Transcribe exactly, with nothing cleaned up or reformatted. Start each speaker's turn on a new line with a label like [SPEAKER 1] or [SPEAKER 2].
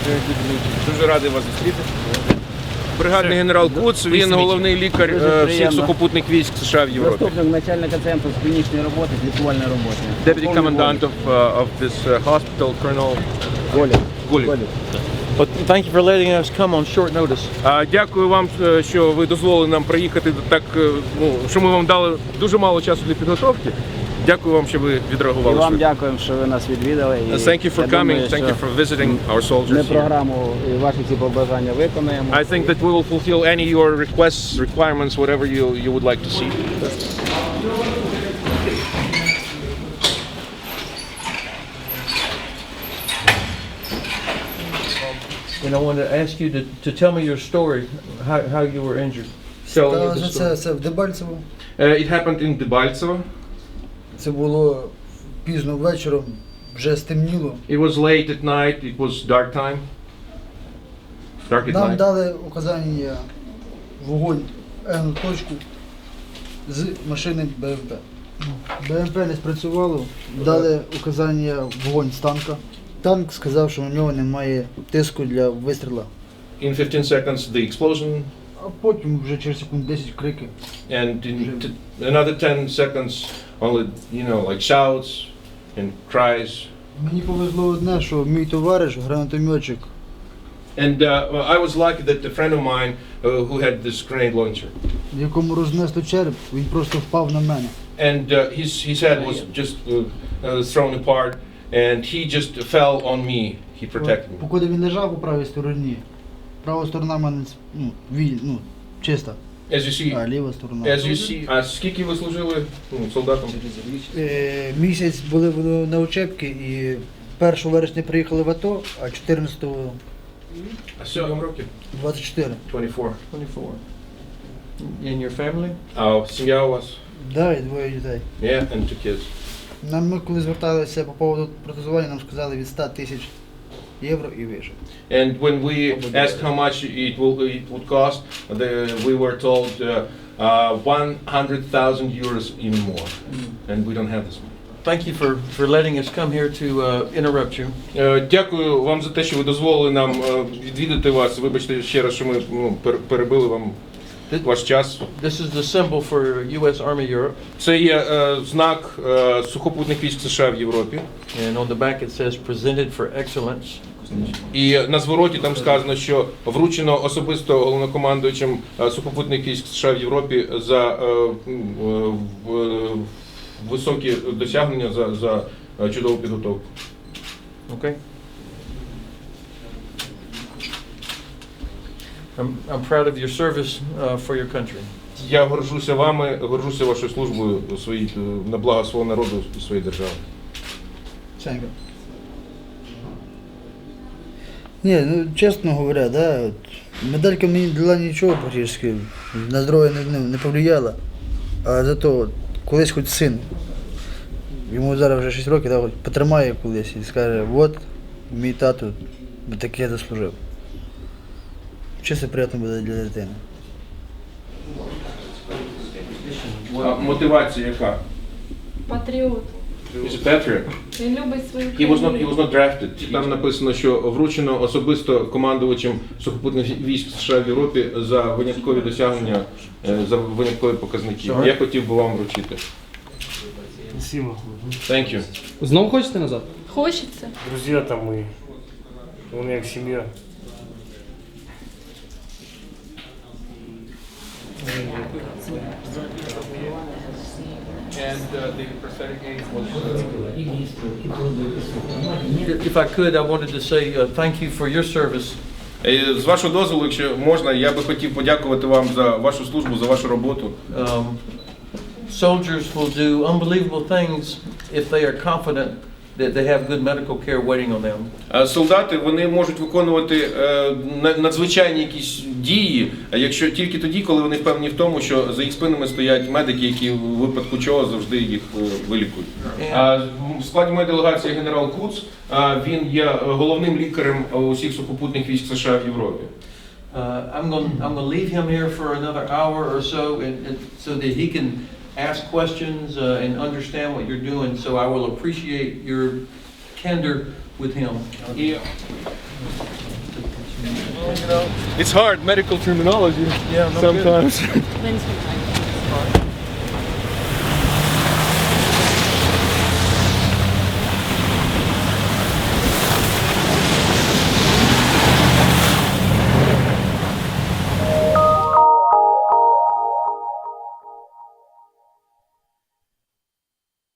[SPEAKER 1] Дуже радий вас зустріти. Бригадний генерал Куц, він головний лікар е, всіх сухопутних військ США в Європі.
[SPEAKER 2] Заступник начальника центру з клінічної роботи, з лікувальної роботи.
[SPEAKER 1] Deputy commandant of, uh, of this uh, hospital, Colonel
[SPEAKER 2] Голік.
[SPEAKER 1] Гулік.
[SPEAKER 3] Well, thank you for letting us come on short notice.
[SPEAKER 1] А, Дякую вам, е, що ви дозволили нам приїхати так, е, ну, що ми вам дали дуже мало часу для підготовки. Дякую вам, що ви
[SPEAKER 2] І
[SPEAKER 1] відреагували.
[SPEAKER 2] вам
[SPEAKER 1] швидко.
[SPEAKER 2] дякуємо, що ви нас відвідали. І
[SPEAKER 1] Thank you for
[SPEAKER 2] я
[SPEAKER 1] coming,
[SPEAKER 2] думаю,
[SPEAKER 1] thank you
[SPEAKER 2] що
[SPEAKER 1] for visiting our
[SPEAKER 2] Ми
[SPEAKER 1] soldiers here.
[SPEAKER 2] програму і ваші ці побажання виконаємо.
[SPEAKER 1] I think that we will fulfill any of your requests, requirements, whatever you, you would like to see.
[SPEAKER 3] And I want to ask you to, to tell me your story, how, how you were injured. Tell me the
[SPEAKER 4] Та,
[SPEAKER 3] story.
[SPEAKER 4] це, це в Дебальцево.
[SPEAKER 1] Uh, it happened in Debaltsevo.
[SPEAKER 4] Це було пізно вечором, вже стемніло.
[SPEAKER 1] It was late at night, it was dark time. Dark at
[SPEAKER 4] Нам
[SPEAKER 1] night.
[SPEAKER 4] дали указання вогонь N точку з машини БМП. БМП не спрацювало, дали указання вогонь з танка. Танк сказав, що у нього немає тиску для вистріла.
[SPEAKER 1] In fifteen seconds the explosion,
[SPEAKER 4] А потім вже через секунд десять крики.
[SPEAKER 1] and in t- another ten seconds only, you know, like shouts and cries.
[SPEAKER 4] Мені повезло одне, що мій товариш, гранатометчик,
[SPEAKER 1] And uh, I was lucky that a friend of mine uh, who had this grenade launcher,
[SPEAKER 4] якому рознесло череп, він просто впав на мене.
[SPEAKER 1] and uh, his his head was just uh, uh, thrown apart, and he just fell on me. He protected me.
[SPEAKER 4] Поки він лежав по правій стороні, права сторона в мене ну, віль, ну, чиста,
[SPEAKER 1] As you see,
[SPEAKER 4] а ліва сторона.
[SPEAKER 1] as you see. А скільки ви служили ну, солдатом?
[SPEAKER 4] Е, Місяць були в- на учебці і першого вересня приїхали в АТО, а чотирнадцятого
[SPEAKER 1] А сьом років?
[SPEAKER 4] двадцять чотири.
[SPEAKER 1] двадцять чотири.
[SPEAKER 3] twenty-four. In your family?
[SPEAKER 1] А сім'я у вас?
[SPEAKER 4] Да, і двоє дітей.
[SPEAKER 1] Yeah, and two kids.
[SPEAKER 4] Нам ми коли зверталися по поводу протезування, нам сказали від ста тисяч євро і вище.
[SPEAKER 1] And when we asked how much it will it would cost, the, we were told uh, uh, one hundred thousand euros even more, and we don't have this money.
[SPEAKER 3] Thank you for, for letting us come here to uh, interrupt you.
[SPEAKER 1] Е, Дякую вам за те, що ви дозволили нам е, відвідати вас. Вибачте ще раз, що ми ну, пер- перебили вам ваш час.
[SPEAKER 3] This is the symbol for U S Army Europe,
[SPEAKER 1] Це є е, знак е, сухопутних військ США в Європі.
[SPEAKER 3] and on the back it says presented for excellence.
[SPEAKER 1] І на звороті там сказано, що вручено особисто головнокомандуючим е, сухопутних військ США в Європі за е, м, е, в- е, високі досягнення, за, за е, чудову підготовку.
[SPEAKER 3] Okay? I'm, I'm proud of your service uh, for your country.
[SPEAKER 1] Я горжуся вами, горжуся вашою службою у своїй, е, на благо свого народу і своєї держави.
[SPEAKER 4] Сенька. Ні, ну чесно говоря, да, от, медалька мені дала нічого практично, на здоров'я не, не, не повлияла. А зато от, колись хоч син, йому зараз вже шість років, да, хоч потримає колись і скаже, от мій тато таке заслужив. Чисто приємно буде для дитини.
[SPEAKER 1] А мотивація яка?
[SPEAKER 5] Патріот.
[SPEAKER 1] He's a patriot.
[SPEAKER 5] Він любить свою
[SPEAKER 1] He was not, he
[SPEAKER 5] країну.
[SPEAKER 1] was not drafted. Там написано, що вручено особисто командувачем сухопутних військ США в Європі за виняткові досягнення, е, за виняткові показники. Я хотів би вам вручити.
[SPEAKER 6] Спасибо.
[SPEAKER 1] Thank you.
[SPEAKER 6] Знову хочете назад?
[SPEAKER 5] Хочеться.
[SPEAKER 6] Друзья там мы. У меня как семья.
[SPEAKER 1] And the prosthetic aid was
[SPEAKER 3] If I could, I wanted to say uh, thank you for your service.
[SPEAKER 1] Е, З вашого дозволу, якщо можна, я би хотів подякувати вам за вашу службу, за вашу роботу.
[SPEAKER 3] Um, soldiers will do unbelievable things if they are confident that they have good medical care waiting on them.
[SPEAKER 1] Е, Солдати, вони можуть виконувати е, на- надзвичайні якісь дії, а якщо тільки тоді, коли вони впевнені в тому, що за їх спинами стоять медики, які в випадку чого завжди їх е, вилікують. А в складі моєї делегації генерал Куц, а він є головним лікарем усіх сухопутних військ США в Європі.
[SPEAKER 3] Uh, I'm going I'm going to leave him here for another hour or so, and, and so that he can ask questions uh, and understand what you're doing. So I will appreciate your candor with him.
[SPEAKER 1] І It's hard medical terminology
[SPEAKER 3] Yeah, no
[SPEAKER 1] sometimes.
[SPEAKER 5] Then sometimes.